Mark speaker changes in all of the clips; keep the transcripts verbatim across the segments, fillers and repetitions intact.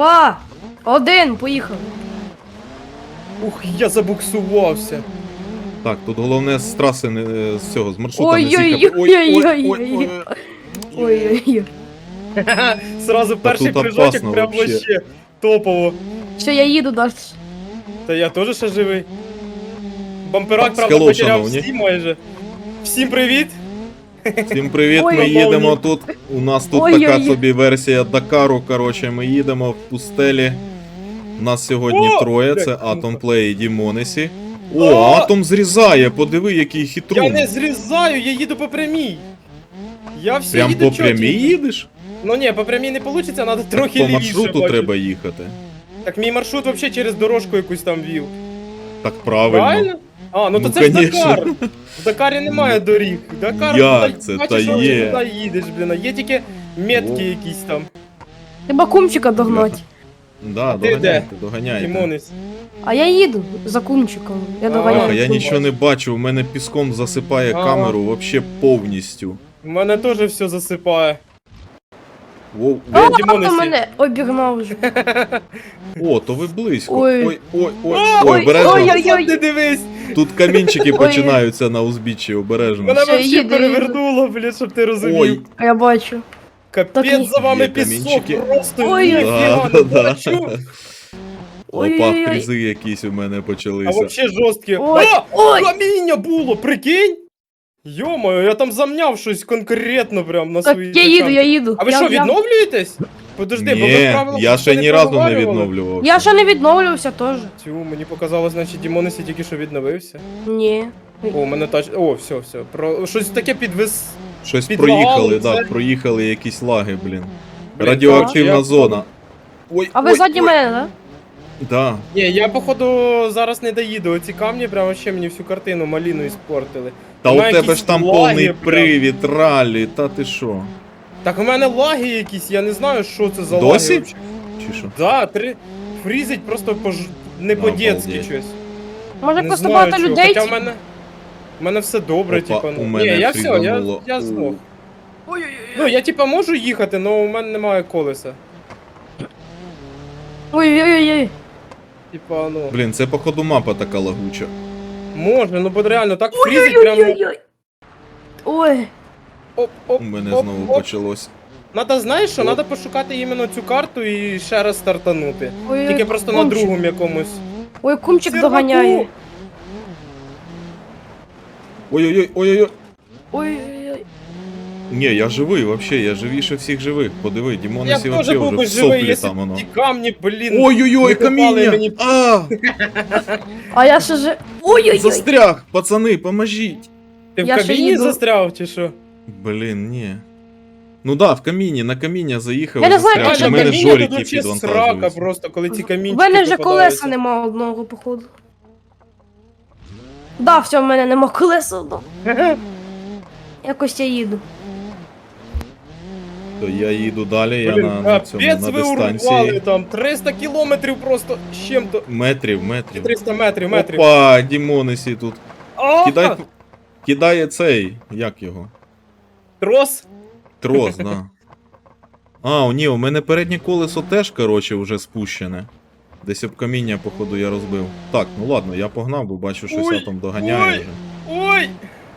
Speaker 1: Два, один, поїхали.
Speaker 2: Ух, я забуксувався.
Speaker 3: Так, тут головне з траси не з цього, з маршрута не з'їхати.
Speaker 1: Ой-ой-ой-ой-ой. Ой-ой-ой.
Speaker 2: Сразу перший
Speaker 3: тут
Speaker 2: прыжочок
Speaker 3: опасно
Speaker 2: прям
Speaker 3: вообще.
Speaker 2: вообще топово.
Speaker 1: Все, я їду далі.
Speaker 2: Та я теж ще живий. Бамперак,
Speaker 3: Так,
Speaker 2: правда,
Speaker 3: скело,
Speaker 2: потеряв
Speaker 3: шановні.
Speaker 2: всі майже. Всім привіт!
Speaker 3: Всім привіт,
Speaker 1: Ой,
Speaker 3: ми
Speaker 2: ой,
Speaker 3: їдемо
Speaker 2: ой.
Speaker 3: тут. У нас тут
Speaker 1: Ой,
Speaker 3: така
Speaker 1: ой, ой.
Speaker 3: собі версія Дакару. Коротше, ми їдемо в пустелі. Нас сьогодні
Speaker 2: О,
Speaker 3: троє,
Speaker 2: блядь,
Speaker 3: це
Speaker 2: ну-ка.
Speaker 3: Атом Плей і Дімонесі. О,
Speaker 2: О!
Speaker 3: Атом зрізає, подиви, який
Speaker 2: Я
Speaker 3: хитрун.
Speaker 2: не зрізаю, я їду по прямій. Я все
Speaker 3: Прям
Speaker 2: їду
Speaker 3: по прямій
Speaker 2: чотенько.
Speaker 3: їдеш?
Speaker 2: Ну ні, по прямій не вийде, треба трохи
Speaker 3: По
Speaker 2: лівіше.
Speaker 3: маршруту
Speaker 2: бачу.
Speaker 3: треба їхати.
Speaker 2: Так мій маршрут взагалі через дорожку якусь там вів.
Speaker 3: Так правильно.
Speaker 2: Правильно? А, ну то
Speaker 3: Ну,
Speaker 2: це ж
Speaker 3: конечно.
Speaker 2: Дакар. В Дакарі немає доріг. Дакар,
Speaker 3: Як
Speaker 2: туди-
Speaker 3: це?
Speaker 2: бачиш,
Speaker 3: Та
Speaker 2: що
Speaker 3: є.
Speaker 2: ти туди їдеш, блін. а Є тільки метки
Speaker 3: О.
Speaker 2: якісь там.
Speaker 1: Треба кумчика догнати.
Speaker 3: Да,
Speaker 2: ти де?
Speaker 3: доганяйте, доганяйте.
Speaker 2: Тимонець.
Speaker 1: А я їду за кумчиком. Я
Speaker 2: А,
Speaker 3: Ах,
Speaker 1: доганяю.
Speaker 3: я нічого не бачу, у мене піском засипає
Speaker 2: Ага.
Speaker 3: камеру вообще повністю.
Speaker 2: У мене теж все засипає.
Speaker 3: Воу,
Speaker 1: А,
Speaker 3: воу.
Speaker 1: хто
Speaker 2: Дімонесі.
Speaker 1: мене обігнав вже.
Speaker 3: О, то ви близько.
Speaker 1: Ой.
Speaker 3: Ой, ой, ой,
Speaker 2: Ой,
Speaker 3: ой, обережно.
Speaker 1: ой, ой.
Speaker 2: Назад не дивись!
Speaker 3: Тут камінчики
Speaker 1: Ой.
Speaker 3: починаються на узбіччі, обережно.
Speaker 2: Мене
Speaker 1: Все,
Speaker 2: вообще
Speaker 1: їду,
Speaker 2: перевернуло, блін, щоб ти розумів.
Speaker 3: Ой,
Speaker 1: А я бачу. Так
Speaker 2: Капець
Speaker 1: ні.
Speaker 2: за вами
Speaker 3: Є
Speaker 2: пісок,
Speaker 3: камінчики.
Speaker 2: просто
Speaker 1: Ой,
Speaker 2: ніфіга
Speaker 3: да,
Speaker 2: не
Speaker 3: да,
Speaker 2: бачу.
Speaker 3: да.
Speaker 1: Ой,
Speaker 3: Опа,
Speaker 1: ой, ой.
Speaker 3: фрізи якісь у мене
Speaker 2: А
Speaker 3: почалися.
Speaker 2: вообще жорсткі.
Speaker 1: Ой,
Speaker 2: А!
Speaker 1: ой.
Speaker 2: Каміння було, прикинь? Йо-моє, я там замняв щось конкретно прям на
Speaker 1: Так,
Speaker 2: своїй
Speaker 1: я їду, я
Speaker 2: тачанці.
Speaker 1: їду.
Speaker 2: А ви
Speaker 1: Я-
Speaker 2: що,
Speaker 1: я-
Speaker 2: відновлюєтесь? Подожди, бо ви
Speaker 3: Ні,
Speaker 2: правила
Speaker 3: я ще
Speaker 2: не
Speaker 3: ні разу не
Speaker 2: проговорювали.
Speaker 3: відновлювався.
Speaker 1: Я ще не відновлювався теж.
Speaker 2: Тю, мені показалось, значить Дімонесі тільки що відновився.
Speaker 1: Ні.
Speaker 2: О, у мене тач... О, все, все. Про... Щось таке підвис...
Speaker 3: Щось
Speaker 2: підлагало,
Speaker 3: проїхали,
Speaker 2: це-
Speaker 3: да, проїхали якісь лаги, блін.
Speaker 2: Блін,
Speaker 3: Радіоактивна
Speaker 2: коротше,
Speaker 3: зона. Ой,
Speaker 1: А ви
Speaker 3: ой,
Speaker 1: ззаді
Speaker 3: ой.
Speaker 1: мене, да?
Speaker 3: Да.
Speaker 2: Ні, я походу зараз не доїду. Оці камні прямо ще мені всю картину маліну іспортили.
Speaker 3: Та
Speaker 2: Вона
Speaker 3: у тебе
Speaker 2: якісь
Speaker 3: ж там
Speaker 2: лаги
Speaker 3: повний
Speaker 2: прям.
Speaker 3: привід, ралі, та ти що?
Speaker 2: Так у мене лаги якісь, я не знаю, що це за
Speaker 3: Досі?
Speaker 2: лаги. вообще.
Speaker 3: Чи що?
Speaker 2: Да, три... фрізить просто по... не по-дєцьки
Speaker 3: Обалдеть.
Speaker 2: щось.
Speaker 1: Може
Speaker 2: Не
Speaker 1: просто
Speaker 2: знаю,
Speaker 1: багато
Speaker 2: чого.
Speaker 1: людей.
Speaker 2: Хоча в мене... У мене все добре,
Speaker 3: Опа,
Speaker 2: типа,
Speaker 3: у
Speaker 2: ну.
Speaker 3: мене
Speaker 2: Ні, я все, я,
Speaker 3: фрізануло.
Speaker 2: я
Speaker 3: У.
Speaker 2: здох. Ну, я типа можу їхати, але у мене немає колеса.
Speaker 1: Ой-ой-ой.
Speaker 2: Типа, ну...
Speaker 3: Блін, це походу мапа така лагуча.
Speaker 2: Може, ну бо реально так фрізить прямо...
Speaker 1: Ой-ой-ой. Ой.
Speaker 2: Оп, оп,
Speaker 3: У мене
Speaker 2: оп,
Speaker 3: знову
Speaker 2: оп.
Speaker 3: почалось.
Speaker 2: Надо, знаєш що,
Speaker 3: Оп.
Speaker 2: надо пошукати іменно цю карту і ще раз стартанути.
Speaker 1: Ой,
Speaker 2: Тільки просто на
Speaker 1: кумчик.
Speaker 2: другому якомусь.
Speaker 1: Ой, кумчик
Speaker 2: Серваку!
Speaker 1: доганяє.
Speaker 3: Ой-ой-ой, ой-ой-ой.
Speaker 1: Ой-ой-ой.
Speaker 3: Ні, я живий, вообще, я живіше всіх живих. Подиви,
Speaker 2: Я
Speaker 3: Дімонесі
Speaker 2: теж
Speaker 3: вообще
Speaker 2: був
Speaker 3: вже
Speaker 2: би
Speaker 3: в
Speaker 2: живий,
Speaker 3: соплі
Speaker 2: якщо
Speaker 3: там воно.
Speaker 2: б ті камні, блін.
Speaker 3: Ой-ой-ой,
Speaker 2: не попали
Speaker 3: каміння!
Speaker 2: мені.
Speaker 3: А,
Speaker 1: А я ще же... Ой-ой-ой.
Speaker 3: застряг! Пацани, поможіть!
Speaker 2: Ти в
Speaker 1: Я ще
Speaker 2: кабіні
Speaker 1: їду.
Speaker 2: застряв чи що?
Speaker 3: Блін, ні. Ну да, в каміні, на каміння заїхав,
Speaker 1: Я не знаю,
Speaker 3: застряг.
Speaker 1: як
Speaker 3: У
Speaker 1: же
Speaker 3: мене
Speaker 2: каміння
Speaker 3: жоріки
Speaker 2: тут вообще срака
Speaker 3: підвантажуються.
Speaker 2: просто, коли ці
Speaker 1: У
Speaker 2: камінчики
Speaker 1: мене вже
Speaker 2: попадаються.
Speaker 1: колеса нема одного, походу. Да, все, в мене нема колеса одного. Якось я їду.
Speaker 3: То я їду далі, я
Speaker 2: Блін,
Speaker 3: на, на цьому,
Speaker 2: капець
Speaker 3: на
Speaker 2: ви урвали
Speaker 3: дистанції.
Speaker 2: там, триста кілометрів просто з чим-то.
Speaker 3: Метрів, метрів.
Speaker 2: триста метрів, метрів.
Speaker 3: Опа, Дімонесі тут.
Speaker 2: А,
Speaker 3: Кидай, кидає цей, як його?
Speaker 2: Трос?
Speaker 3: Трос, да. А, ні, у мене переднє колесо теж, короче, вже спущене. Десь об каміння, походу, я розбив. Так, ну ладно, я погнав, бо бачу, щось
Speaker 2: Ой,
Speaker 3: я там доганяє
Speaker 2: ой.
Speaker 3: вже.
Speaker 2: Ой!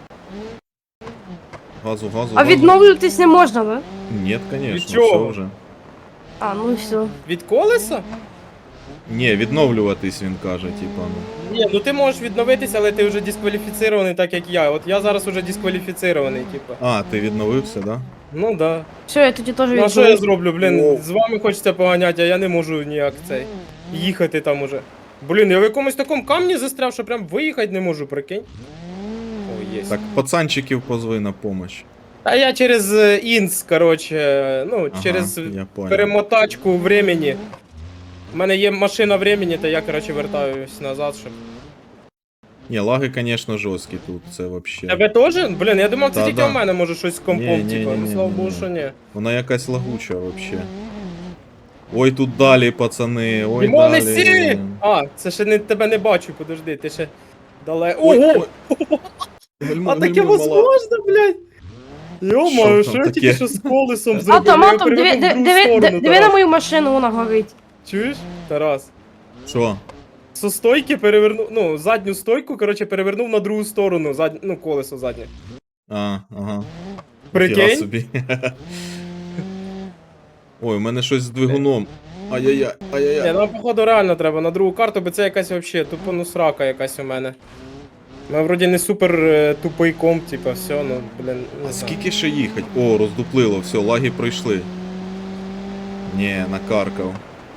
Speaker 3: Газу, газу,
Speaker 1: А
Speaker 3: газу.
Speaker 1: відновлюватись не можна, да?
Speaker 3: Ні,
Speaker 2: Від
Speaker 3: конечно,
Speaker 2: чого?
Speaker 3: все вже.
Speaker 1: А, ну і все.
Speaker 2: Від колеса?
Speaker 3: Ні, відновлюватись, він каже, типа, ну.
Speaker 2: Ні, ну ти можеш відновитися, але ти вже дискваліфіцирований, так як я. От я зараз уже дискваліфіцирований, типа.
Speaker 3: А, ти відновився, да?
Speaker 2: Ну да.
Speaker 1: Все, я тоді теж
Speaker 2: Ну а що я зроблю, блін?
Speaker 3: Воу.
Speaker 2: З вами хочеться поганяти, а я не можу ніяк цей. Їхати там уже. Блін, я в якомусь такому камні застряв, що прям виїхати не можу, прикинь. О, є.
Speaker 3: Так, пацанчиків позви на помощь.
Speaker 2: А я через е, інс, коротше, ну,
Speaker 3: Ага,
Speaker 2: через
Speaker 3: я понял.
Speaker 2: перемотачку времени. У мене є машина времени, то я, коротше, вертаюсь назад, щоб.
Speaker 3: Ні, лаги, конечно, жорсткі тут, це вообще.
Speaker 2: Тебе теж? Блін, я думав, це
Speaker 3: Та,
Speaker 2: тільки
Speaker 3: да.
Speaker 2: у мене може щось з компом,
Speaker 3: Ні, ні,
Speaker 2: типа.
Speaker 3: ні,
Speaker 2: Ну
Speaker 3: ні,
Speaker 2: слава
Speaker 3: ні,
Speaker 2: Богу,
Speaker 3: ні.
Speaker 2: що ні.
Speaker 3: Вона якась лагуча вообще. Ой, тут далі, пацани, ой,
Speaker 2: Дімоне,
Speaker 3: далі.
Speaker 2: сі! А, це ще не, тебе не бачу, подожди, ти ще далеко.
Speaker 3: Ой,
Speaker 2: Ого!
Speaker 3: ой. Гальмуй,
Speaker 2: А таке
Speaker 3: гальмуй, мала.
Speaker 2: возможно, блядь? Йо-моє,
Speaker 3: Що
Speaker 2: що
Speaker 3: там
Speaker 2: я тільки
Speaker 3: таке?
Speaker 2: що з колесом зробив?
Speaker 1: Атом,
Speaker 2: Я
Speaker 1: атом, диви,
Speaker 2: перевернув в
Speaker 1: диви,
Speaker 2: другу
Speaker 1: диви,
Speaker 2: сторону
Speaker 1: диви на
Speaker 2: зараз.
Speaker 1: мою машину, вона горить.
Speaker 2: Чуєш, Тарас?
Speaker 3: Що?
Speaker 2: Со стойки перевернув, ну, задню стойку, коротше, перевернув на другу сторону, зад... ну, колесо заднє.
Speaker 3: А, ага. Фіга
Speaker 2: Прикинь?
Speaker 3: собі. Ой, у мене щось з двигуном. Ай-яй-яй,
Speaker 2: Ні,
Speaker 3: ай-яй-яй.
Speaker 2: нам, походу, реально треба на другу карту, бо це якась вообще тупо ну срака якась у мене. Ми вроді не супер е, тупий комп, типа, все, ну, блін, не
Speaker 3: А
Speaker 2: знаю.
Speaker 3: скільки ще їхать? О, роздуплило, все, лаги пройшли. Ні, накаркав.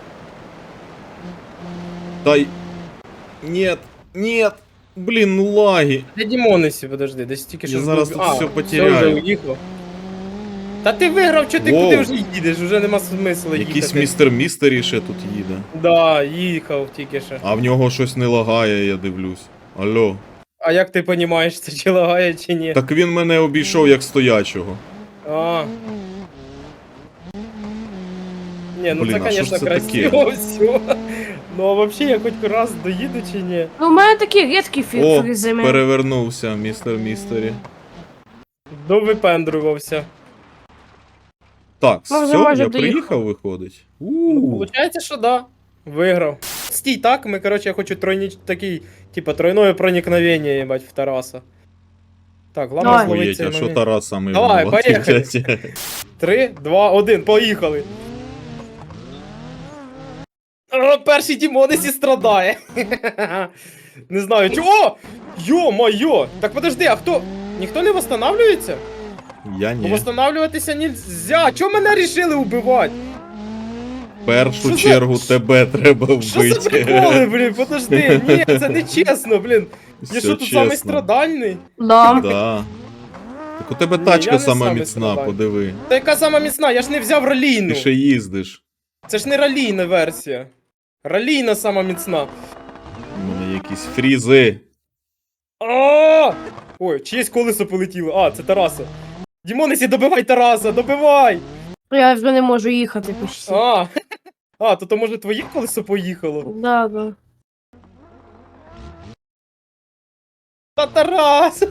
Speaker 3: Дай. Нет, нет. Блін, ну лаги.
Speaker 2: Де Дімонесі, подожди, десь тільки що...
Speaker 3: Я зараз
Speaker 2: збив-
Speaker 3: тут
Speaker 2: А,
Speaker 3: все
Speaker 2: Все,
Speaker 3: потеряю.
Speaker 2: вже уїхав. Та ти виграв, що ти
Speaker 3: Воу.
Speaker 2: куди вже їдеш? Вже нема смисла їхати.
Speaker 3: Якийсь містер Містері ще тут їде.
Speaker 2: Да, їхав тільки що.
Speaker 3: А в нього щось не лагає, я дивлюсь. Алло.
Speaker 2: А як ти розумієш, це чи лагає, чи ні?
Speaker 3: Так він мене обійшов як стоячого.
Speaker 2: А. Ні, ну
Speaker 3: Блін,
Speaker 2: це,
Speaker 3: а що ж
Speaker 2: звісно,
Speaker 3: це
Speaker 2: красиво
Speaker 3: таке?
Speaker 2: все. Ну а взагалі я хоч раз доїду чи ні?
Speaker 1: Ну, у мене такі рідкі фі-
Speaker 3: О,
Speaker 1: фрізи. ми-
Speaker 3: перевернувся, містер Містері.
Speaker 2: Довипендрувався.
Speaker 3: Так,
Speaker 1: Ну, вже
Speaker 3: все,
Speaker 1: майже
Speaker 3: я
Speaker 1: доїхав.
Speaker 3: приїхав, виходить.
Speaker 2: Ну,
Speaker 3: У.
Speaker 2: Получається, що да. Виграв. Стій так, ми, коротше, я хочу тройні... такий, типа, тройное проникновення, їбать, в Тараса. Так, ладно,
Speaker 1: Давай.
Speaker 2: зловить
Speaker 3: Охуєть,
Speaker 2: цей
Speaker 3: а що
Speaker 2: момент.
Speaker 3: Тарас саме
Speaker 2: Давай,
Speaker 3: винуватий,
Speaker 2: поїхали.
Speaker 3: блядь?
Speaker 2: Три, два, один, поїхали. О, перший Дімонесі страдає. Не знаю, чого. Йо-моє! Так подожди, а хто? Ніхто не восстанавливається?
Speaker 3: Я
Speaker 2: Бо
Speaker 3: ні.
Speaker 2: восстанавливатися нельзя. Чого мене рішили убивати?
Speaker 3: В першу
Speaker 2: Що за-
Speaker 3: чергу тебе треба
Speaker 2: Що за
Speaker 3: вбити.
Speaker 2: приколи, блін? Подожди, ні, це не чесно, блін. Я
Speaker 3: Все
Speaker 2: що тут
Speaker 3: чесно.
Speaker 2: самий страдальний?
Speaker 1: Да.
Speaker 3: Да. Так у тебе
Speaker 2: Ні,
Speaker 3: тачка
Speaker 2: я не
Speaker 3: сама
Speaker 2: самий
Speaker 3: міцна,
Speaker 2: страдальний.
Speaker 3: подиви.
Speaker 2: Та яка сама міцна, я ж не взяв ралійну.
Speaker 3: Ти ще їздиш.
Speaker 2: Це ж не ралійна версія. Ралійна сама міцна.
Speaker 3: У мене якісь фрізи.
Speaker 2: А! Ой, чиєсь колесо полетіло. А, це Тараса. Дімонесі, добивай Тараса, добивай!
Speaker 1: Я вже не можу їхати почти.
Speaker 2: А, а то, то може твоє колесо поїхало?
Speaker 1: Да, да.
Speaker 2: Та Тарас!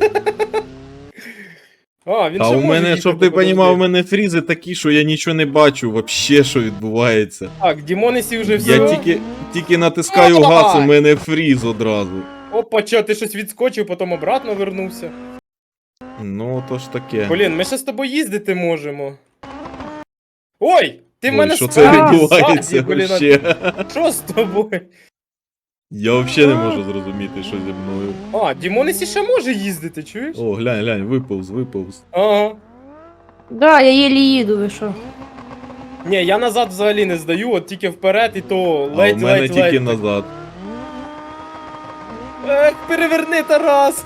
Speaker 2: А, він
Speaker 3: А
Speaker 2: ще
Speaker 3: у
Speaker 2: може
Speaker 3: мене,
Speaker 2: їхати,
Speaker 3: щоб ти
Speaker 2: подожди.
Speaker 3: понімав, у мене фрізи такі, що я нічого не бачу, вообще, що відбувається.
Speaker 2: Так, Дімонесі вже все.
Speaker 3: Я тільки, тільки натискаю
Speaker 2: Давай!
Speaker 3: газ, у мене фріз одразу.
Speaker 2: Опа, чо, ти щось відскочив, потім обратно вернувся.
Speaker 3: Ну, то ж таке.
Speaker 2: Блін, ми ще з тобою їздити можемо. Ой! Ти в
Speaker 3: Ой,
Speaker 2: мене
Speaker 3: що це
Speaker 2: спереду,
Speaker 3: відбувається
Speaker 2: ззаді, блін, а
Speaker 3: вообще?
Speaker 2: що з тобою?
Speaker 3: Я взагалі не можу зрозуміти, що зі мною.
Speaker 2: А, Дімонесі ще може їздити, чуєш?
Speaker 3: О, глянь, глянь, виповз, виповз.
Speaker 2: Ага.
Speaker 1: Да, я єлі їду, ви що?
Speaker 2: Ні, я назад взагалі не здаю, от тільки вперед і то
Speaker 3: А у
Speaker 2: ледь,
Speaker 3: мене
Speaker 2: ледь,
Speaker 3: тільки
Speaker 2: ледь.
Speaker 3: назад.
Speaker 2: Ех, переверни, Тарас!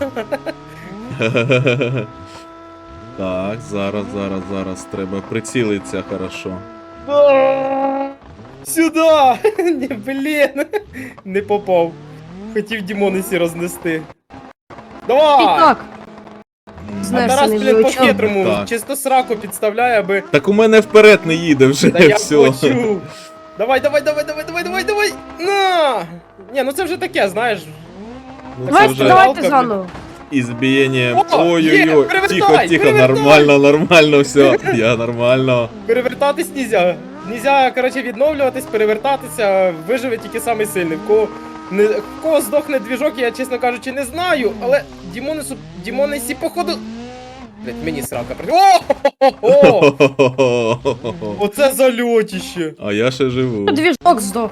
Speaker 3: Так, зараз, зараз, зараз. Треба прицілитися хорошо.
Speaker 2: А, сюда! Ні, блін! Не попав. Хотів Дімонесі рознести.
Speaker 1: І
Speaker 2: Давай!
Speaker 1: так.
Speaker 2: А
Speaker 1: Знаєш,
Speaker 2: Тарас,
Speaker 1: не
Speaker 2: блін,
Speaker 1: звучав.
Speaker 2: по-хитрому,
Speaker 3: Так.
Speaker 2: чисто сраку підставляє, аби...
Speaker 3: Так у мене вперед не їде вже,
Speaker 2: Та я
Speaker 3: все.
Speaker 2: хочу! Давай, давай, давай, давай, давай, давай, давай! На! Ні, ну це вже таке, знаєш.
Speaker 3: Ну, це
Speaker 1: Давайте,
Speaker 3: вже
Speaker 1: давайте
Speaker 2: Жалко,
Speaker 1: заново.
Speaker 3: ізбієння.
Speaker 2: О, є,
Speaker 3: Ой-ой-ой,
Speaker 2: перевертай,
Speaker 3: тихо, тихо,
Speaker 2: перевертай.
Speaker 3: нормально, нормально, все. Я нормально.
Speaker 2: Перевертатись нельзя. Нельзя, коротше, відновлюватись, перевертатися, виживе тільки самий сильний. В кого, не, в кого здохне двіжок, я, чесно кажучи, не знаю, але Дімонесу, Дімонесі, походу... Блять, мені срака при... О! Оце зальотіще.
Speaker 3: А я ще живу.
Speaker 1: Двіжок здох.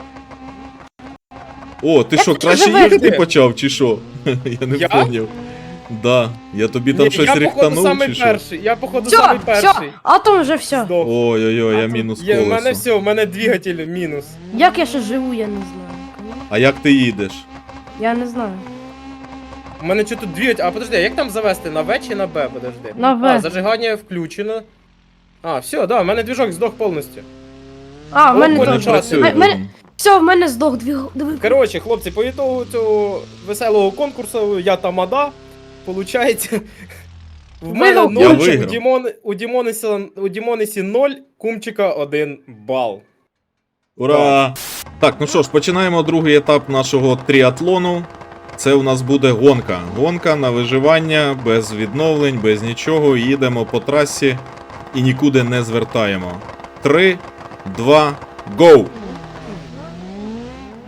Speaker 3: О, ти
Speaker 1: Я
Speaker 3: що,
Speaker 1: хочу
Speaker 3: краще
Speaker 1: живе.
Speaker 3: їхати почав, чи що? Я не
Speaker 2: Я?
Speaker 3: поняв. Да, я тобі там
Speaker 2: Ні,
Speaker 3: щось
Speaker 2: я, походу,
Speaker 3: рихтанув,
Speaker 2: самий
Speaker 3: чи що?
Speaker 2: перший. Я, походу, самий
Speaker 1: Все,
Speaker 2: перший.
Speaker 1: все, атом вже все.
Speaker 2: Здох.
Speaker 3: Ой-ой-ой, я
Speaker 2: А,
Speaker 3: мінус
Speaker 2: є, У мене
Speaker 3: колесо.
Speaker 2: все, у мене двигатель мінус.
Speaker 1: Як я ще живу, я не знаю.
Speaker 3: А як ти їдеш?
Speaker 1: Я не знаю.
Speaker 2: У мене що тут двигатель... А подожди, а як там завести? На В чи на Б? Подожди.
Speaker 1: На В.
Speaker 2: А, зажигання включено. А, все, да, у мене движок здох повністю.
Speaker 1: А, в
Speaker 2: О,
Speaker 1: мене
Speaker 2: понял,
Speaker 3: Не
Speaker 1: теж.
Speaker 2: час.
Speaker 3: працює.
Speaker 1: М- мене-
Speaker 3: двигун.
Speaker 1: Все, в мене здох двіг. диви.
Speaker 2: Коротше, хлопці, по ітогу цього веселого конкурсу я тамада. Получається. В мене
Speaker 1: Виграв.
Speaker 3: Я
Speaker 2: ноль,
Speaker 3: виграв.
Speaker 2: у, Дімон, у, Дімонесі, у Дімонесі ноль, кумчика один бал.
Speaker 3: Ура! Так, ну що ж, починаємо другий етап нашого тріатлону. Це у нас буде гонка. Гонка на виживання, без відновлень, без нічого. Їдемо по трасі і нікуди не звертаємо. Три, два, гоу!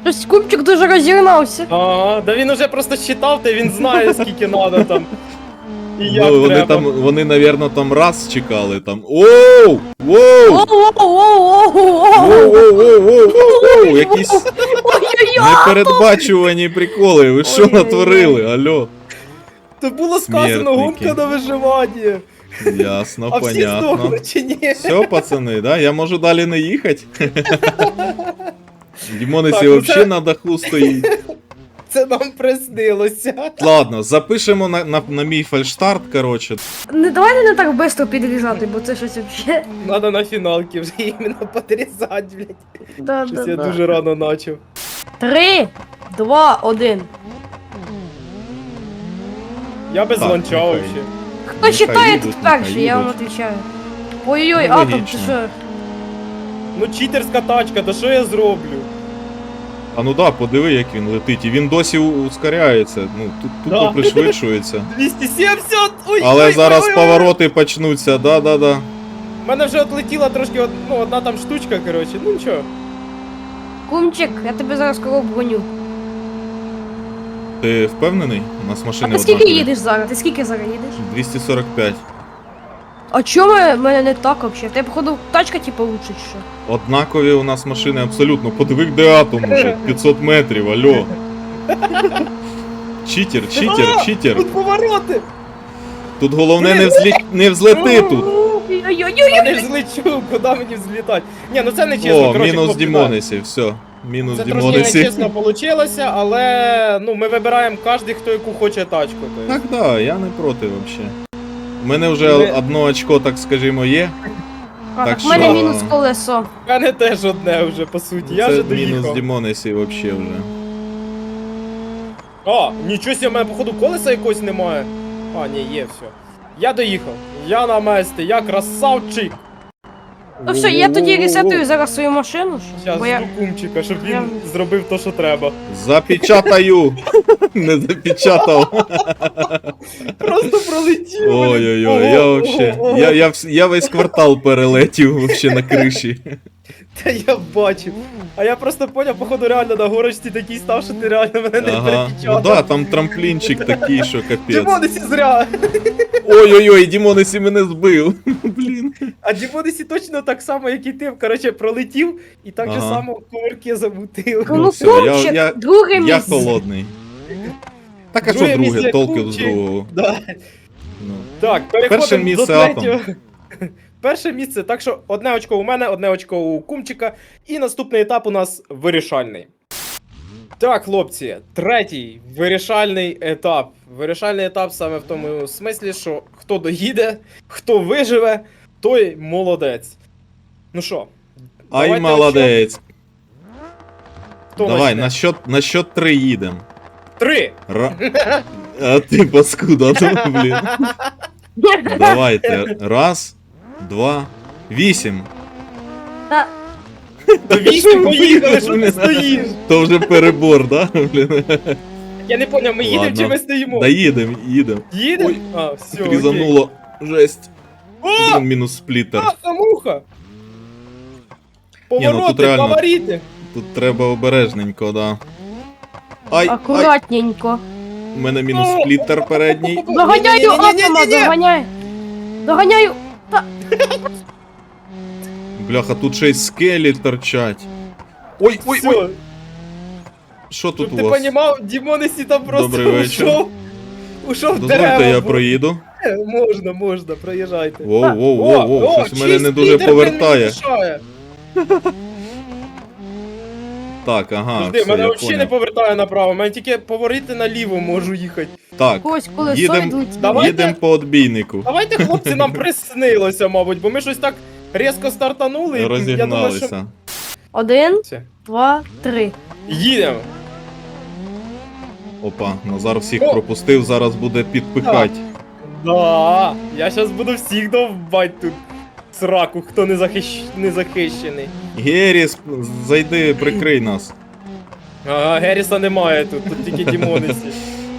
Speaker 1: Щось купчик дуже розігнався.
Speaker 2: Ага, да він уже просто считав, та він знає, скільки надо там. І як
Speaker 3: Ну, вони
Speaker 2: треба.
Speaker 3: там, вони, навірно, там раз чекали там. Оу! Воу!
Speaker 1: Воу-воу-воу-воу-воу!
Speaker 3: Воу-воу-воу-воу-воу! Якісь
Speaker 1: Ой-ой-ой!
Speaker 3: непередбачувані приколи. Ви що
Speaker 1: Ой-ой-ой.
Speaker 3: натворили? Алло.
Speaker 2: То було сказано
Speaker 3: Смертники.
Speaker 2: гонка на виживання.
Speaker 3: Ясно,
Speaker 2: А всі
Speaker 3: понятно.
Speaker 2: здохли чи ні?
Speaker 3: Все, пацани, да? Я можу далі не їхати. Дімонесі
Speaker 2: Так, ну
Speaker 3: взагалі
Speaker 2: це-
Speaker 3: на даху стоїть.
Speaker 2: Це нам приснилося.
Speaker 3: Ладно, запишемо на, на, на мій фальштарт, коротше.
Speaker 1: Не давайте не так швидко підрізати, бо це щось вообще.
Speaker 2: Надо на фіналки вже іменно подрізати, блядь.
Speaker 1: Да,
Speaker 2: Щось
Speaker 1: да,
Speaker 2: я
Speaker 1: да.
Speaker 2: дуже рано начав.
Speaker 1: Три, два, один.
Speaker 2: Я без
Speaker 3: Так,
Speaker 2: ланча
Speaker 3: нехай.
Speaker 2: вообще.
Speaker 1: Хто
Speaker 3: Нехай
Speaker 1: читає
Speaker 3: їдуть,
Speaker 1: тут
Speaker 3: нехай
Speaker 1: перший, я вам
Speaker 3: їдуть.
Speaker 1: відповідаю. Ой-ой-ой,
Speaker 3: Ну,
Speaker 1: атом, ти
Speaker 3: логічно.
Speaker 1: що?
Speaker 2: Ну читерська тачка, то що я зроблю?
Speaker 3: А ну да, подиви, як він летить. І він досі у- ускоряється. Ну, тут тупо
Speaker 2: Да.
Speaker 3: пришвидшується.
Speaker 2: двісті сімдесят! Ой,
Speaker 3: Але
Speaker 2: ой,
Speaker 3: зараз
Speaker 2: ой, ой,
Speaker 3: повороти почнуться, да-да-да.
Speaker 2: У мене вже отлетіла трошки од- ну, одна там штучка, коротше. Ну нічого.
Speaker 1: Кумчик, я тебе зараз кого обгоню.
Speaker 3: Ти впевнений? У нас
Speaker 1: А
Speaker 3: машини
Speaker 1: ти скільки
Speaker 3: однакові.
Speaker 1: їдеш зараз? Ти скільки зараз їдеш?
Speaker 3: двісті сорок п'ять.
Speaker 1: А чому в мене не так вообще? В тебе, походу, тачка типу лучше чи що?
Speaker 3: Однакові у нас машини абсолютно. Подиви, де атом уже. п'ятсот метрів, алло. Читер, читер,
Speaker 2: А,
Speaker 3: читер.
Speaker 2: Тут повороти!
Speaker 3: Тут головне не, взлі... не взлети тут.
Speaker 1: Ой-ой-ой!
Speaker 2: Я не злечу, куди мені взлітати? Ні, ну це не чесно,
Speaker 3: О,
Speaker 2: коротше,
Speaker 3: мінус
Speaker 2: хлопці,
Speaker 3: Дімонесі, все. Мінус
Speaker 2: Це трошки
Speaker 3: Дімонесі.
Speaker 2: нечесно вийшло, але ну, ми вибираємо кожен, хто яку хоче тачку. То
Speaker 3: Так,
Speaker 2: есть.
Speaker 3: да, я не проти взагалі. У мене вже
Speaker 2: Ми-
Speaker 3: одно очко, так скажімо, є.
Speaker 1: А,
Speaker 3: Так
Speaker 1: так в мене
Speaker 3: що-
Speaker 1: мінус колесо.
Speaker 2: У мене теж одне вже, по суті, я
Speaker 3: Це
Speaker 2: вже
Speaker 3: мінус
Speaker 2: доїхав.
Speaker 3: Дімонесі взагалі вже.
Speaker 2: А, нічого себе, в мене походу колеса якогось немає. А, ні, є, все. Я доїхав. Я на месті, я красавчик.
Speaker 1: Ну все, я тоді ресетую зараз свою машину, що?
Speaker 2: Зараз
Speaker 1: Бо я...
Speaker 2: жду кумчика, щоб він
Speaker 1: Я-
Speaker 2: зробив те, що треба.
Speaker 3: Запечатаю! Не запечатав.
Speaker 2: Просто пролетів. блін.
Speaker 3: Ой-ой-ой, я
Speaker 2: Ого,
Speaker 3: вообще.
Speaker 2: ого.
Speaker 3: Я, я, вс- я весь квартал перелетів вообще на криші.
Speaker 2: Та я бачив. А я просто поняв, походу реально на горочці такий став, що ти реально мене не
Speaker 3: Ага. Ну
Speaker 2: перепечатав.
Speaker 3: да, там трамплінчик такий, що капець.
Speaker 2: Дімонесі зря.
Speaker 3: Ой-ой-ой, Дімонесі мене збив. Блін.
Speaker 2: А Дімонесі точно так само, як і ти. Коротше, пролетів і так же
Speaker 3: Ага.
Speaker 2: само кувирки замутив.
Speaker 3: Ну
Speaker 1: Ну,
Speaker 3: все, я-
Speaker 1: кумчик,
Speaker 3: я-
Speaker 1: друге
Speaker 3: Я
Speaker 1: місце.
Speaker 3: холодний. Так а що
Speaker 2: Друге
Speaker 3: друге,
Speaker 2: місце
Speaker 3: толки з
Speaker 2: Кумчик.
Speaker 3: другого.
Speaker 2: Да.
Speaker 3: Ну.
Speaker 2: Так, переходимо
Speaker 3: Перше
Speaker 2: до
Speaker 3: місце
Speaker 2: третього. Перше місце, так що одне очко у мене, одне очко у Кумчика, і наступний етап у нас вирішальний. Так, хлопці, третій вирішальний етап. Вирішальний етап саме в тому смислі, що хто доїде, хто виживе, той молодець. Ну що,
Speaker 3: Ай,
Speaker 2: давайте
Speaker 3: молодець.
Speaker 2: хто
Speaker 3: Давай,
Speaker 2: почне?
Speaker 3: на счет, на счет три їдем.
Speaker 2: Три!
Speaker 3: Ра... А ти паскуда, ну, блін. Давайте. Раз, два, вісім.
Speaker 1: Та,
Speaker 2: До вісім поїхали, що ти стоїш?
Speaker 3: То вже перебор, да? Блін.
Speaker 2: Я не поняв, ми їдемо
Speaker 3: Ладно.
Speaker 2: чи ми стоїмо?
Speaker 3: Да їдем, їдем.
Speaker 2: Їдемо?
Speaker 3: Ой,
Speaker 2: А, все, окей.
Speaker 3: Різануло. Жесть.
Speaker 2: О!
Speaker 3: Блін, мінус сплітер.
Speaker 2: А, муха!
Speaker 3: Ні, ну тут
Speaker 2: Повороти,
Speaker 3: реально-
Speaker 2: фаворити!
Speaker 3: Тут треба обережненько, да. Ай, ай,
Speaker 1: акуратненько.
Speaker 3: у мене мінус сплітер передній.
Speaker 1: Доганяю
Speaker 2: Ні-ні-ні-ні-ні-ні-ні!
Speaker 1: атома, доганяю. Доганяю.
Speaker 3: Бляха, тут ще й скелі торчать. Ой, ой,
Speaker 2: Все,
Speaker 3: ой. Що тут
Speaker 2: щоб
Speaker 3: у
Speaker 2: ти
Speaker 3: вас?
Speaker 2: понімав, Дімонесі там просто
Speaker 3: Добрий вечір.
Speaker 2: ушов. Ушов в
Speaker 3: Дозвольте,
Speaker 2: дерево.
Speaker 3: я
Speaker 2: бо-
Speaker 3: проїду.
Speaker 2: Можна, можна, проїжджайте.
Speaker 3: Воу, воу, воу,
Speaker 2: О,
Speaker 3: воу,
Speaker 2: о,
Speaker 3: щось мене не
Speaker 2: чий
Speaker 3: дуже
Speaker 2: спідер, блін,
Speaker 3: повертає.
Speaker 2: не мішає.
Speaker 3: Так, ага,
Speaker 2: Жди,
Speaker 3: все,
Speaker 2: мене
Speaker 3: я
Speaker 2: взагалі не
Speaker 3: понял.
Speaker 2: повертає направо, мене тільки поворити наліво можу їхати.
Speaker 3: Так,
Speaker 1: Когось колесо
Speaker 3: їдем,
Speaker 1: відлетіло.
Speaker 2: Давайте.
Speaker 3: їдем по отбійнику.
Speaker 2: Давайте, хлопці, нам приснилося, мабуть, бо ми щось так різко стартанули. і я думаю, що...
Speaker 3: Розігналися.
Speaker 1: Один,
Speaker 2: Все.
Speaker 1: два, три.
Speaker 2: Їдемо.
Speaker 3: Опа, Назар всіх
Speaker 2: О!
Speaker 3: пропустив, зараз буде підпихать.
Speaker 2: Да, я зараз буду всіх довбать тут. Сраку, хто не, захищ... не захищений.
Speaker 3: Геріс, зайди, прикрий нас.
Speaker 2: Ага, Геріса немає тут, тут тільки Дімонесі.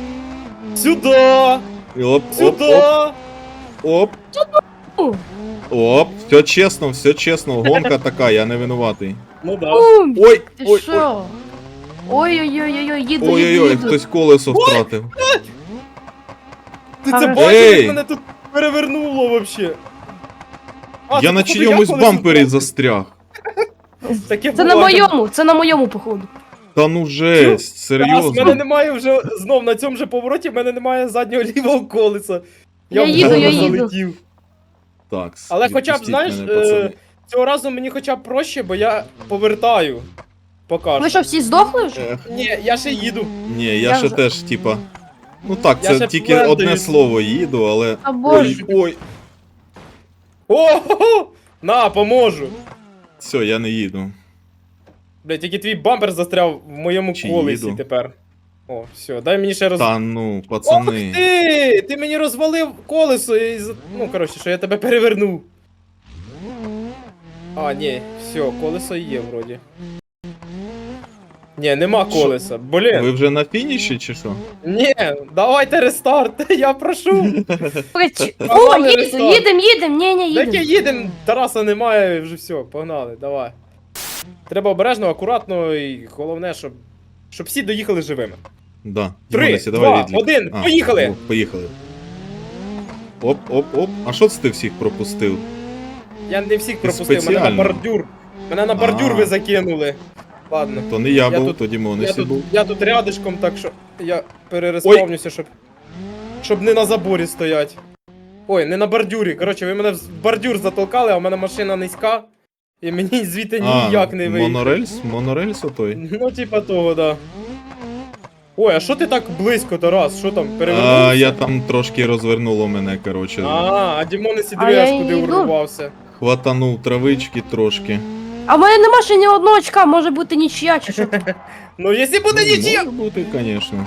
Speaker 2: Сюда!
Speaker 3: І Оп, оп,
Speaker 2: Сюда!
Speaker 3: оп, оп. Оп, все чесно, все чесно, гонка така, я не винуватий.
Speaker 2: Ну да.
Speaker 1: Бум!
Speaker 3: Ой,
Speaker 1: Ти
Speaker 3: ой, ой.
Speaker 1: що? Ой-ой-ой-ой, їду, їду,
Speaker 3: Ой-ой-ой,
Speaker 1: їду.
Speaker 3: хтось колесо втратив.
Speaker 2: Ти це
Speaker 1: Хорошо.
Speaker 2: бачиш,
Speaker 3: Ей!
Speaker 2: як мене тут перевернуло вообще? А,
Speaker 3: Я
Speaker 2: це,
Speaker 3: на
Speaker 2: походу,
Speaker 3: чиємусь
Speaker 2: колись
Speaker 3: бампері
Speaker 2: впав.
Speaker 3: застряг.
Speaker 2: Таке
Speaker 1: Це на
Speaker 2: буває.
Speaker 1: моєму, це на моєму, походу.
Speaker 3: Та ну жесть,
Speaker 2: Тарас, в мене
Speaker 3: серйозно.
Speaker 2: немає вже знов на цьому же повороті, в мене немає заднього лівого колеса.
Speaker 1: Я
Speaker 2: в
Speaker 1: їду,
Speaker 2: голову
Speaker 1: я їду.
Speaker 2: залетів.
Speaker 3: Так,
Speaker 2: Але хоча б,
Speaker 3: відпустіть
Speaker 2: знаєш,
Speaker 3: мене,
Speaker 2: е,
Speaker 3: пацани.
Speaker 2: цього разу мені хоча б проще, бо я повертаю. Поки
Speaker 1: Ви
Speaker 2: що.
Speaker 1: що, всі здохли вже?
Speaker 3: Ех,
Speaker 2: Ні, я ще їду.
Speaker 3: ні, я,
Speaker 1: Я
Speaker 3: ще
Speaker 1: вже-
Speaker 3: теж, типа. Ну так,
Speaker 2: Я
Speaker 3: це
Speaker 2: ще
Speaker 3: тільки
Speaker 2: плентаюсь.
Speaker 3: одне слово їду, але.
Speaker 1: А боже.
Speaker 3: Ой, ой.
Speaker 2: О, на, поможу.
Speaker 3: Все, я не їду.
Speaker 2: Блять, тільки твій бампер застряв в моєму
Speaker 3: Чи
Speaker 2: колесі
Speaker 3: їду?
Speaker 2: тепер. О, все, дай мені ще роз...
Speaker 3: Та ну,
Speaker 2: Ох
Speaker 3: пацани.
Speaker 2: ти! Ти мені розвалив колесо і... за- Ну, коротше, що я тебе перевернув. А, ні, все, колесо є вроді. Ні, нема
Speaker 3: Що?
Speaker 2: колеса. Блін.
Speaker 3: Ви вже на фініші чи що?
Speaker 2: Ні, давайте рестарт, я прошу.
Speaker 1: Прич- О,
Speaker 2: Погнали,
Speaker 1: їдем,
Speaker 2: рестарт.
Speaker 1: їдем, їдем, ні, ні,
Speaker 2: Таке
Speaker 1: їдем.
Speaker 2: їдемо, Тараса немає, вже все, погнали, давай. Треба обережно, акуратно і головне, щоб. Щоб всі доїхали живими.
Speaker 3: Да.
Speaker 2: Три,
Speaker 3: Дімонесі,
Speaker 2: два,
Speaker 3: давай відлік.
Speaker 2: один,
Speaker 3: А,
Speaker 2: поїхали!
Speaker 3: о, поїхали. Оп, оп, оп. А що це ти всіх пропустив?
Speaker 2: Я не всіх пропустив, мене на
Speaker 3: спеціально.
Speaker 2: бордюр. Мене на бордюр
Speaker 3: А.
Speaker 2: ви закинули. Ладно.
Speaker 3: То не я,
Speaker 2: Я
Speaker 3: був,
Speaker 2: тут-
Speaker 3: то
Speaker 2: Я
Speaker 3: Дімонесі
Speaker 2: тут,
Speaker 3: був.
Speaker 2: я тут рядышком, так що я перереспавнюся, щоб. Щоб не на заборі стоять. Ой, не на бордюрі. Коротше, ви мене в бордюр затолкали, а в мене машина низька. І мені звідти ніяк не вийде.
Speaker 3: монорельс? Монорельс отой?
Speaker 2: Ну, типа того, да. Ой, а що ти так близько, Тарас? Що там, перевернувся?
Speaker 3: А, я там трошки розвернуло мене, коротше.
Speaker 2: А, а Дімон і
Speaker 1: А
Speaker 2: Сідвеш
Speaker 1: я
Speaker 2: куди
Speaker 1: йду.
Speaker 2: урвався.
Speaker 3: Хватанув травички трошки.
Speaker 1: А в мене нема ще ні одного очка, може бути нічия чи що.
Speaker 2: Ну, якщо буде
Speaker 3: Ну,
Speaker 2: нічия.
Speaker 3: може бути, звісно.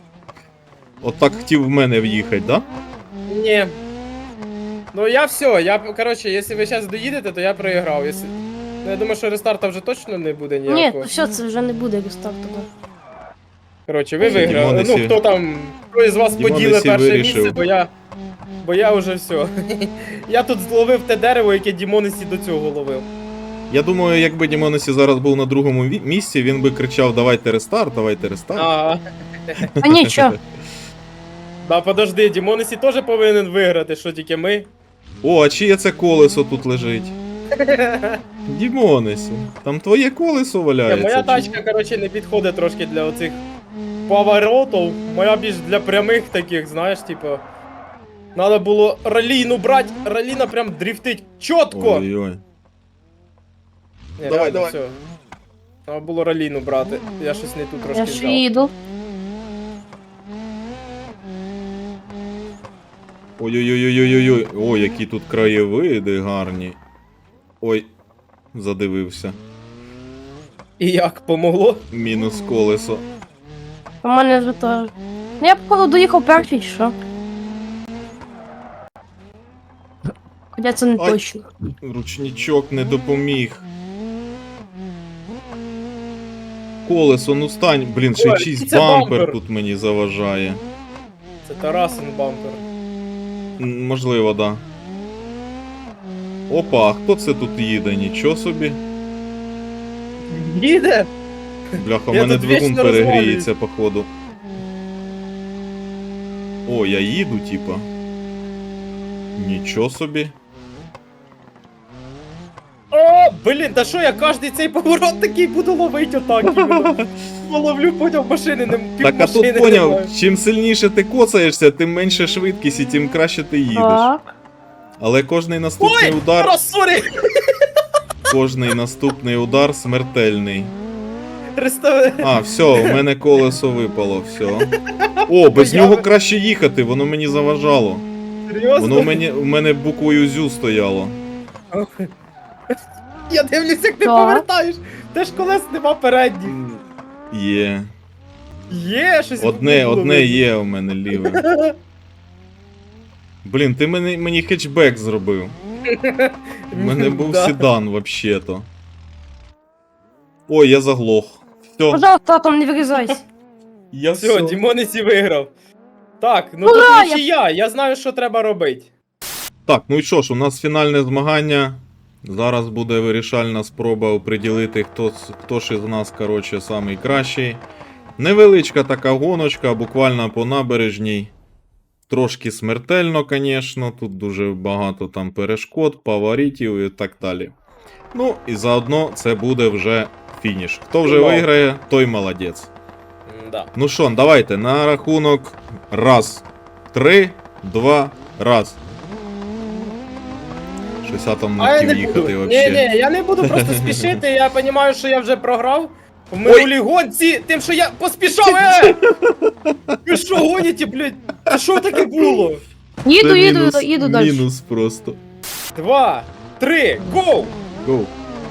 Speaker 3: От так хотів в мене в'їхати, да?
Speaker 2: Ні. Ну я все, я, коротше, якщо ви зараз доїдете, то я проіграв. Якщо... Ну, я думаю, що рестарта вже точно не буде
Speaker 1: Ні,
Speaker 2: ніякого.
Speaker 1: то все, це вже не буде рестарту.
Speaker 2: Коротше, ви
Speaker 3: Дімон
Speaker 2: виграли.
Speaker 3: Ісі-
Speaker 2: Ну, хто там, хто із вас
Speaker 3: Дімон
Speaker 2: поділив
Speaker 3: Ісі
Speaker 2: перше
Speaker 3: вирішив.
Speaker 2: місце, бо я. Бо я вже все. Я тут зловив те дерево, яке Дімонесі до цього ловив.
Speaker 3: Я думаю, якби Дімонесі зараз був на другому ві- місці, він би кричав: давайте рестарт, давайте рестарт.
Speaker 2: А,
Speaker 1: А нічого.
Speaker 2: да, подожди, Дімонесі теж повинен виграти, що тільки ми.
Speaker 3: О, а чиє це колесо тут лежить? Дімонесі, там твоє колесо
Speaker 2: Ні,
Speaker 3: валяється.
Speaker 2: моя
Speaker 3: чи-
Speaker 2: тачка, коротше, не підходить трошки для оцих поворотів. Моя більш для прямих таких, знаєш, типу. Надо було ралійну брати, раліна прям дрифтить чітко.
Speaker 3: Ой-ой.
Speaker 2: Ні,
Speaker 3: Давай,
Speaker 2: реально,
Speaker 3: давай.
Speaker 2: все. Треба було раліну брати. Я щось не тут трошки
Speaker 1: Я ж
Speaker 2: взяв.
Speaker 1: їду.
Speaker 3: Ой-ой-ой-ой-ой-ой. Ой, які тут краєвиди гарні. Ой, задивився.
Speaker 2: І як помогло?
Speaker 3: Мінус колесо.
Speaker 1: У мене вже теж. Ну я походу доїхав перший, чи що? Хоча це не
Speaker 3: Ай.
Speaker 1: точно.
Speaker 3: Ручничок не допоміг. Колесо, ну стань. Блін, ще й
Speaker 2: Ой,
Speaker 3: чийсь
Speaker 2: це
Speaker 3: бампер
Speaker 2: бампер.
Speaker 3: тут мені заважає.
Speaker 2: Це Тарасин бампер.
Speaker 3: М, Можливо, да. Опа, а хто це тут їде? Нічого собі.
Speaker 2: Їде?
Speaker 3: Бляха, у
Speaker 2: Я
Speaker 3: мене
Speaker 2: тут
Speaker 3: двигун
Speaker 2: вічно
Speaker 3: перегріється, походу. О, я їду, типа. Нічого собі.
Speaker 2: О, блін, та що я кожний цей поворот такий буду ловити отак іменно. Половлю, поняв, машини не пів
Speaker 3: Так, а
Speaker 2: машини
Speaker 3: тут поняв,
Speaker 2: немає.
Speaker 3: чим сильніше ти коцаєшся, тим менше швидкість і тим краще ти їдеш.
Speaker 1: Так.
Speaker 3: Але кожний наступний
Speaker 2: Ой,
Speaker 3: удар,
Speaker 2: Тарас, сорі!
Speaker 3: кожний наступний удар смертельний.
Speaker 2: Рестав...
Speaker 3: А, все, у мене колесо випало, все. О, без
Speaker 2: Я
Speaker 3: нього
Speaker 2: ви-
Speaker 3: краще їхати, воно мені заважало.
Speaker 2: Серйозно?
Speaker 3: Воно у мене, у мене буквою зю стояло.
Speaker 2: Я дивлюсь, як ти
Speaker 1: Так.
Speaker 2: повертаєш. Те ж колес нема передніх.
Speaker 3: Є.
Speaker 2: Є щось.
Speaker 3: Одне,
Speaker 2: не було
Speaker 3: одне
Speaker 2: видно.
Speaker 3: є у мене ліве. Блін, ти мені, мені хетчбек зробив. У мене був
Speaker 2: Да.
Speaker 3: седан, вообще-то. Ой, я заглох. Все,
Speaker 1: Пожалуйста, там не вирізайся.
Speaker 3: я
Speaker 2: Все,
Speaker 3: все.
Speaker 2: Дімонесі виграв. Так, ну
Speaker 1: Ура,
Speaker 2: тут
Speaker 1: я-
Speaker 2: нічия, я знаю, що треба робити.
Speaker 3: Так, ну і що ж, у нас фінальне змагання. Зараз буде вирішальна спроба оприділити, хто, з- хто ж із нас, коротше, самий кращий. Невеличка така гоночка, буквально по набережній. Трошки смертельно, звісно, тут дуже багато там перешкод, поворотів і так далі. Ну, і заодно це буде вже фініш. Хто вже
Speaker 2: Вау.
Speaker 3: виграє, той молодець.
Speaker 2: Да.
Speaker 3: Ну що, давайте, на рахунок раз, три, два, раз. Щось я там
Speaker 2: А
Speaker 3: не
Speaker 2: я
Speaker 3: хотів
Speaker 2: не
Speaker 3: їхати
Speaker 2: буду. Ні,
Speaker 3: взагалі.
Speaker 2: ні, я не буду просто спішити, я розумію, що я вже програв. В минулій гонці, тим, що я поспішав, е! Ви що гоніте, блядь? А що таке було?
Speaker 1: Їду,
Speaker 3: Це
Speaker 1: їду,
Speaker 3: мінус,
Speaker 1: їду далі.
Speaker 3: мінус просто.
Speaker 2: Два, три, гоу!
Speaker 3: Гоу.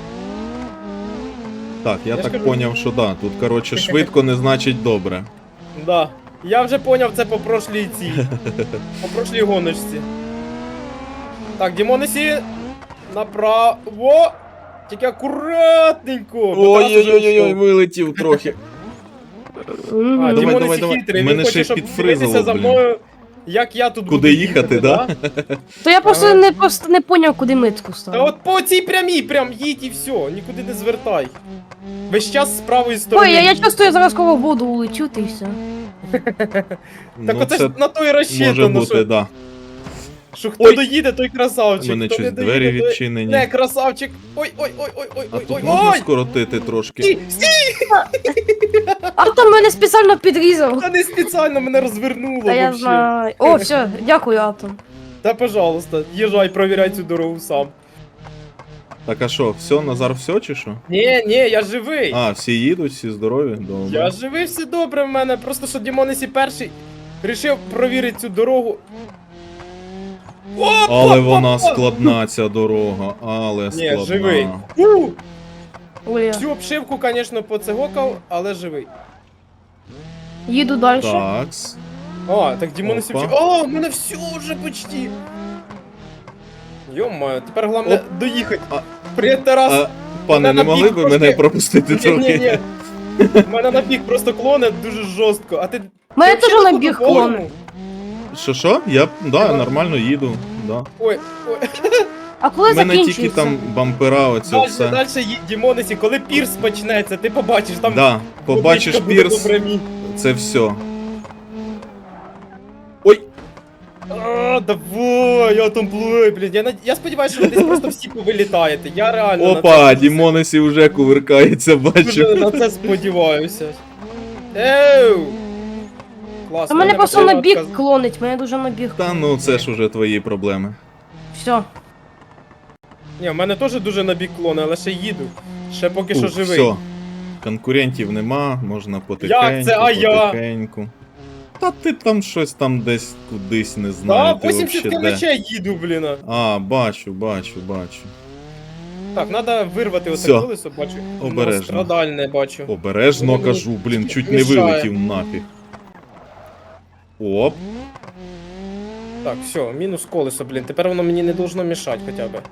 Speaker 3: Так, я,
Speaker 2: Я ж
Speaker 3: так
Speaker 2: кажу.
Speaker 3: поняв, що да. Тут, коротше, швидко не значить добре.
Speaker 2: Да. Я вже поняв це по прошлій цій. По прошлій гоночці. Так, Дімонесі, направо. Тільки акуратненько. бо Тарас уже
Speaker 3: Ой-ой-ой,
Speaker 2: пішов.
Speaker 3: вилетів трохи.
Speaker 1: Мгм.
Speaker 2: А,
Speaker 3: Давай,
Speaker 2: Дімонесі
Speaker 3: давай, давай.
Speaker 2: хитрий,
Speaker 3: Мене
Speaker 2: він хоче,
Speaker 3: ще
Speaker 2: щоб
Speaker 3: підфризило,
Speaker 2: дивитися за
Speaker 3: блін.
Speaker 2: мною, як я тут
Speaker 3: Куди
Speaker 2: буду
Speaker 3: їхати, да?
Speaker 1: То я просто
Speaker 2: Ага.
Speaker 1: не просто не поняв, куди митку
Speaker 2: Та
Speaker 1: ставити.
Speaker 2: от по цій прямій прям їдь і все, нікуди не звертай. Весь час з правої сторони.
Speaker 1: Ой, я, я часто я зараз коло воду улечу, ти і все.
Speaker 2: Так
Speaker 3: Ну,
Speaker 2: оце
Speaker 3: це
Speaker 2: ж на той
Speaker 3: може
Speaker 2: розчитано,
Speaker 3: бути,
Speaker 2: що,
Speaker 3: да.
Speaker 2: що хто
Speaker 3: Ой.
Speaker 2: доїде, той
Speaker 3: У
Speaker 2: красавчик.
Speaker 3: мене
Speaker 2: хто
Speaker 3: щось
Speaker 2: не доїде,
Speaker 3: двері
Speaker 2: той-
Speaker 3: відчинені.
Speaker 2: Не, красавчик. Ой, ой, ой, ой, ой,
Speaker 3: А
Speaker 2: ой,
Speaker 3: тут
Speaker 2: ой,
Speaker 3: можна
Speaker 2: ой.
Speaker 3: скоротити трошки?
Speaker 2: Стій, стій,
Speaker 1: Автор мене спеціально підрізав.
Speaker 2: та не спеціально мене розвернуло
Speaker 1: Та я
Speaker 2: вообще.
Speaker 1: знаю. О, все, дякую, Атом.
Speaker 2: Та пожалуйста, їжджай, провіряй цю дорогу сам.
Speaker 3: Так а що, все, Назар, все чи що?
Speaker 2: Ні, ні, я живий.
Speaker 3: А, всі їдуть, всі здорові? Добре.
Speaker 2: Я живий, все добре в мене. Просто що Дімонесі перший рішив провірити цю дорогу. Опа,
Speaker 3: Але
Speaker 2: опа,
Speaker 3: вона
Speaker 2: опа.
Speaker 3: складна ця дорога, але
Speaker 2: Ні,
Speaker 3: складна.
Speaker 2: живий. У,
Speaker 1: Ой,
Speaker 2: Всю обшивку, звісно, поцегокав, але живий.
Speaker 1: їду далі.
Speaker 3: Такс.
Speaker 2: А, так Дімонесі
Speaker 3: Опа.
Speaker 2: вже. О, у мене все вже почти. Йо-моє, тепер головне
Speaker 3: Оп.
Speaker 2: доїхати.
Speaker 3: А-
Speaker 2: Привіт, Тарас.
Speaker 3: А, пане,
Speaker 2: Мене
Speaker 3: не
Speaker 2: на
Speaker 3: могли
Speaker 2: бік
Speaker 3: б
Speaker 2: трошки-
Speaker 3: мене пропустити
Speaker 2: Ні, ні,
Speaker 3: трохи?
Speaker 2: ні. Мене на бік просто клоне дуже жорстко. А ти.
Speaker 1: Мене
Speaker 2: ти
Speaker 1: теж
Speaker 2: взагалі
Speaker 1: на
Speaker 2: тут
Speaker 1: біг
Speaker 2: по полю?
Speaker 1: клоне.
Speaker 3: Що що? Я, да,
Speaker 2: Ага.
Speaker 3: нормально їду. Да.
Speaker 2: Ой, ой.
Speaker 1: А коли
Speaker 3: У мене тільки
Speaker 1: закінчується?
Speaker 3: там бампера, оце
Speaker 2: Дальше,
Speaker 3: все.
Speaker 2: дальше їдь, Дімонесі, коли пірс почнеться, ти побачиш там.
Speaker 3: Да, побачиш
Speaker 2: водичка буде
Speaker 3: пірс,
Speaker 2: напрямі.
Speaker 3: це все. Ой,
Speaker 2: А, давай, я там плюю, блін. Я, над- я сподіваюся, що ви десь просто всі повилітаєте. Я реально на
Speaker 3: опа,
Speaker 2: це,
Speaker 3: Дімонесі вже кувиркається,
Speaker 2: дуже
Speaker 3: бачу.
Speaker 2: на це сподіваюся. Еу! Класно.
Speaker 1: А мене
Speaker 2: я
Speaker 1: просто
Speaker 2: не
Speaker 1: на бік
Speaker 2: відказ-
Speaker 1: клонить, мене дуже на біг.
Speaker 3: Та ну це ж уже твої проблеми.
Speaker 1: Все.
Speaker 2: Ні, в мене теж дуже на бік клони, але ще їду. Ще поки що
Speaker 3: Ух,
Speaker 2: живий.
Speaker 3: все. Конкурентів нема, можна потихеньку,
Speaker 2: Як це? А я?
Speaker 3: потихеньку. Та ти там щось там десь кудись не знаю.
Speaker 2: Да,
Speaker 3: ти
Speaker 2: вісімдесят
Speaker 3: вообще де.
Speaker 2: кілометрів їду, блін.
Speaker 3: А, бачу, бачу, бачу.
Speaker 2: Так, треба вирвати оце
Speaker 3: Всьо.
Speaker 2: колесо, бачу.
Speaker 3: Обережно.
Speaker 2: Страдальне бачу.
Speaker 3: Обережно
Speaker 2: Воно мені
Speaker 3: кажу, блін,
Speaker 2: тільки
Speaker 3: чуть не
Speaker 2: мішає.
Speaker 3: вилетів нафіг. Оп.
Speaker 2: Так, все, мінус колесо, блін. Тепер воно мені не должно мішати хоча б.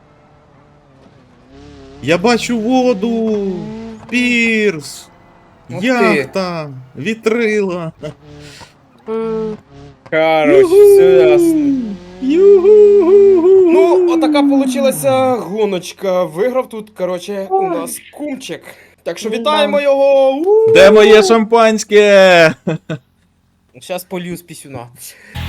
Speaker 3: Я бачу воду! Пірс!
Speaker 2: Ух ти.
Speaker 3: Яхта! Вітрила!
Speaker 1: М,
Speaker 2: Короче, все ясно.
Speaker 3: Юху!
Speaker 2: Ну, отака получилася гоночка. Виграв тут, короче, у нас кумчик. Так що вітаємо його! У!
Speaker 3: Де моє шампанське?
Speaker 2: Щас полью з пісюна.